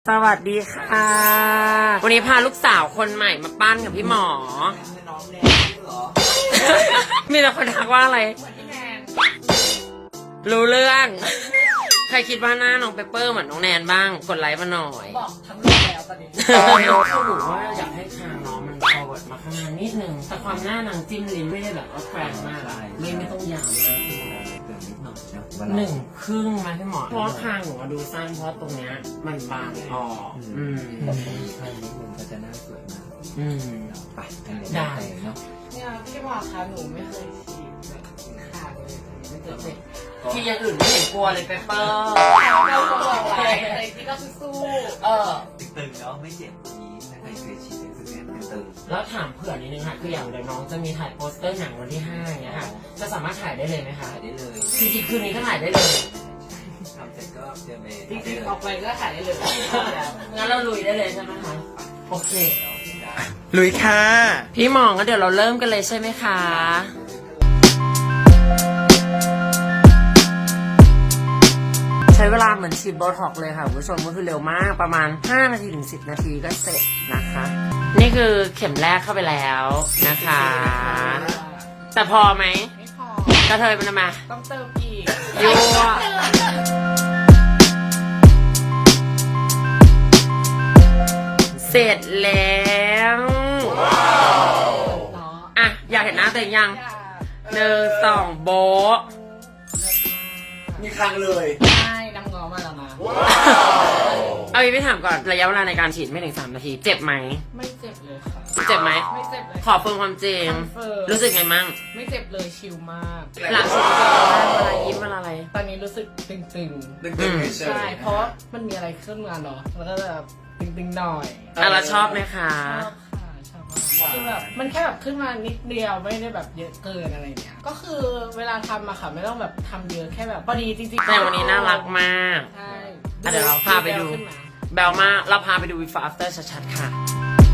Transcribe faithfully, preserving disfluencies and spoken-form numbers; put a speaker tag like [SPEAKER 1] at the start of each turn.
[SPEAKER 1] สวัสดีค่ะวันนี้พาลูกสาวคนใหม่มาปั้นกับพี่หมอมีแต่คนทักว่าอะไรรู้เรื่องใครคิดว่าหน้าน้องเปเปอร์เหมือนน้องแนนบ้างกดไลค์มาหน่อย
[SPEAKER 2] บอกทั้งโลกแล้วตอนนี้
[SPEAKER 1] เขาบอกว่าอยากให้คางน้องมันพอเวิร์ดมาข้างหน้านิดนึงแต่ความหน้านางจิ้มลิ้นไม่ได้แบบว่าแกร่งมากลิ้นไม่ต้องยาวมากหนึ่งครึ่งมาพี่หมอเพราะคางหนูดูสั้นเพราะตรงเนี้ยมันบางออกอืม
[SPEAKER 3] คางนิดนึงก็จะน่าสวยมาก
[SPEAKER 1] อืม
[SPEAKER 3] ไปได้เนาะ
[SPEAKER 2] เนี่ยพี่หมอคะหนูไม่เคยฉีดแบบขาดเลยไม่เคยฉีด
[SPEAKER 1] ที่อย่างอื่นไม่เห็นกลัวเลยเปเปอร์
[SPEAKER 2] เราบอกอะไรอะไรที่ก็สู้เออ
[SPEAKER 3] ตึงๆเนาะไม่เจ็บนี้ถ้าใครเคยฉีดเซ็นเซอร์ตึง
[SPEAKER 1] แล้วถามเผื่อนิดนึงค่ะคืออย่างเดี๋ยวน้องจะมีถ่ายโปสเตอร์หนังวันที่ห้าเนี่ยค่ะจะสามารถถ่ายได้เลยไหมคะ
[SPEAKER 3] ถ่ายได้เลย
[SPEAKER 1] จริงๆคืนนี้ก็ถ่ายได้เลย
[SPEAKER 3] ทำเสร็จก็เจอเมย์
[SPEAKER 2] จริงๆออกไปก็ถ่ายได้เลย
[SPEAKER 1] งั้นเราลุยได้เลยใช่ไหมคะโอเค
[SPEAKER 3] ลุยค่ะ
[SPEAKER 1] พี่หมองก็เดี๋ยวเราเริ่มกันเลยใช่ไหมคะใช้เวลาเหมือนฉีดโบท็อกเลยค่ะคุณผู้ชมก็คือเร็วมากประมาณห้านาทีถึงสิบนาทีก็เสร็จนะคะนี่คือเข็มแรกเข้าไปแล้วนะคะแต่พอไหม
[SPEAKER 2] ไม่พอก
[SPEAKER 1] ระเทยมันมา
[SPEAKER 2] ต้องเติมอีก
[SPEAKER 1] ยั่วเสร็จแล้วอ่ะอยากเห็นหน้าตัวเองยังหนึ่งสองโบะ
[SPEAKER 3] มีครั้งเลย
[SPEAKER 2] ใช่น้ำงอมาแล้วนะ
[SPEAKER 1] เอาอีกไปถามก่อนระยะเวลาในการฉีดไม่ถึงสามนาทีเจ็บไหม
[SPEAKER 2] ไม่เจ็บเลยค่ะ
[SPEAKER 1] เจ็บไหม
[SPEAKER 2] ไม่เจ็บเลย
[SPEAKER 1] ขอเฟิร์มความจริงรู้สึกไงมั่ง
[SPEAKER 2] ไม่เจ็บเลยชิลมาก
[SPEAKER 1] หลังฉีดเวลายิ้มเวลาอะไร
[SPEAKER 2] ตอนนี้รู้สึกตึงๆ
[SPEAKER 3] ตึงๆ
[SPEAKER 2] ใช่เพราะมันมีอะไรขึ้นมาเนาะแล้วก็แบบตึงๆหน่อย
[SPEAKER 1] อ่ะเราชอบไหมคะ
[SPEAKER 2] ชอบค่ะชอบมากคือแบบมันแค่แบบขึ้นมานิดเดียวไม่ได้แบบเยอะเกินอะไรเงี้ยก็คือเวลาทำอะค่ะไม่ต้องแบบทำเยอะแค่แบบพอดีจริงๆ
[SPEAKER 1] แต่วันนี้น่ารักมาก
[SPEAKER 2] ใช่
[SPEAKER 1] เดี๋ยวเราพาไปดูแบลมากเราพาไปดู before after ชัดๆค่ะ